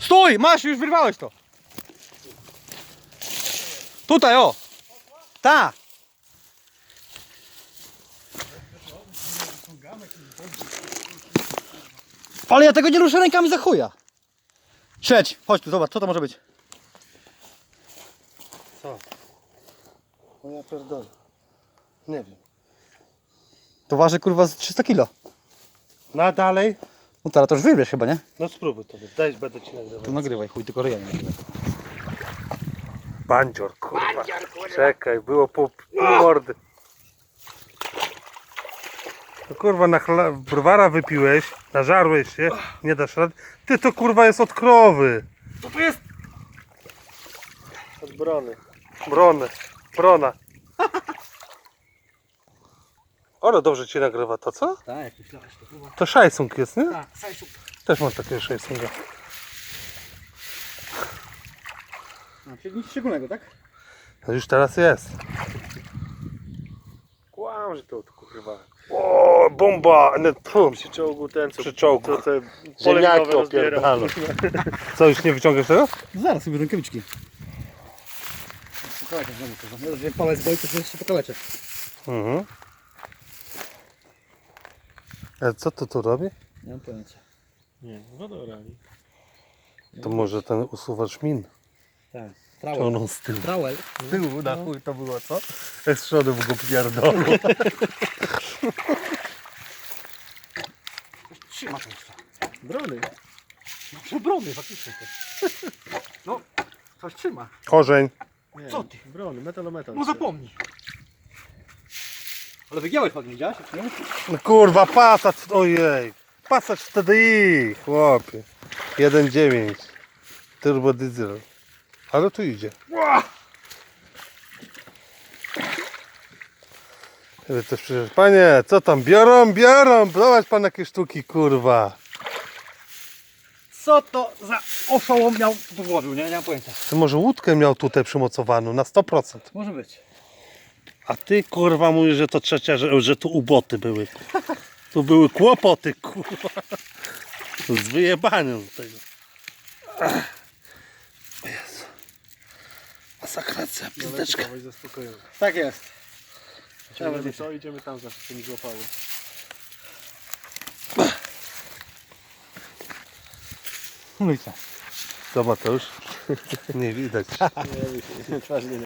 Stój! Masz, już wyrwałeś to. Tutaj, o! Ta! Ale ja tego nie ruszę rękami za chuja. Siedź, chodź tu, zobacz, co to może być. Co? No ja pierdolę. Nie wiem. To waży kurwa z 300 kg. No a dalej? No teraz to już wybierz chyba, nie? No spróbuj to. Daj, będę ci nagrywał. To nagrywaj, chuj, tylko ryja nie nagrywaj. Bandzior, kurwa. Czekaj, było pół mordy. No kurwa, browara wypiłeś, nażarłeś się, nie dasz rady. Ty, to kurwa jest od krowy. Co to jest? Od brony. Brona. Ale dobrze ci nagrywa to, co? Tak, jak myślałeś, to chyba. To szajsung jest, nie? Tak, sajsuk. Też mam takiego szajsunga. Nic szczególnego, tak? No już teraz jest. Kłam, że to kurwa. O, bomba! Przy czołgu ten, co Przy czołgu. co te Ziemniaki poloniowe rozbierał. opierdalą. Co, już nie wyciągasz tego? Zaraz sobie rękawiczki. Pokalecie znowu to. Ja już palec boi, to jeszcze pokalecie. Mhm. A co to tu robi? Nie mam pojęcia. Nie, wodorali. To może ten usuwacz min. Tak. Ciągną z tyłu. Trauel. Z tyłu, na chuj to było, co? Z przodu w go pierdolą. Trzyma to jeszcze. Brony. No przebrony faktycznie to. No, coś trzyma. Korzeń. Nie, Co ty? Brony, metalometal. No zapomnij. Ale wygiąłeś ładnie, widziałeś? Czy nie? No kurwa, Passat, ojej. Passat TDI, chłopie. 1.9. Turbo diesel. Ale tu idzie. Też przecież, panie, co tam, biorą. Zobacz pan jakie sztuki, kurwa. Co to za oszołom miał tu włożył, nie? Nie mam pojęcia. Ty może łódkę miał tutaj przymocowaną na 100%. Może być. A ty kurwa mówisz, że to trzecia, że tu uboty były. Tu były kłopoty, kurwa. Z wyjebaniem tego. O Jezu. Masakracja, pizdeczka. Zaspokojony. Tak jest. Ciągnemy to, idziemy tam, zawsze się nie złapało. No i co? Zobacz, to już nie widać. Twarz nie